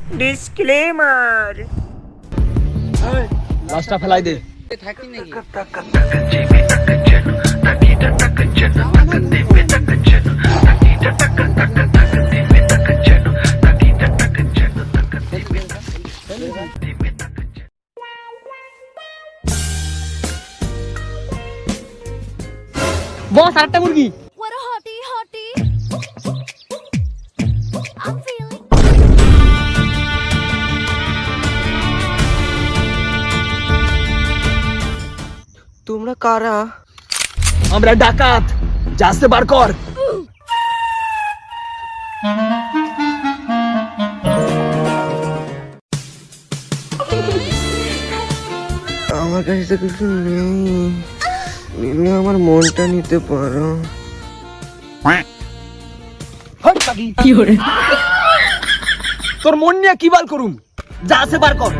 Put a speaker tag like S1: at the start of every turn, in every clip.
S1: Disclaimer.
S2: লাশটা ফেলাই দে।
S3: থাকি নাকি
S2: বস আরেকটা মুরগি।
S4: What a hottie, hottie. I'm feeling.
S1: তোমরা কারা?
S2: আমরা ডাকাত, জাহাজে বার কর।
S1: আমার কাছে তো কিছু নেই, নিলে আমার মনটা নিতে পারো।
S2: তোর মন নিয়ে কি বাল করুম, জাহাজে বার কর।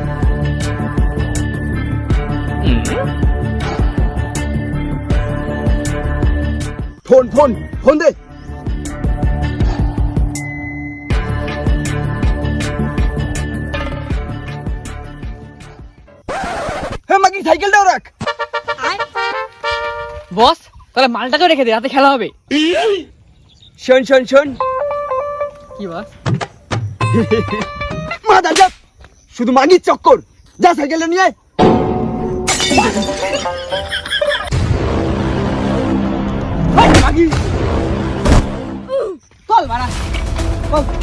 S2: ফোন ফোন ফোন দে। হ্যাঁ মাগি সাইকেলটাও রাখ।
S3: বস তাহলে মালটাকে রেখে দে, রাতে খেলা হবে।
S2: শোন শোন শোন,
S3: কি বস?
S2: মাদা যা, শুধু মাগির চক্কর। যা সাইকেলটা নিয়ে আয়। মাগি
S3: চল বাড়া।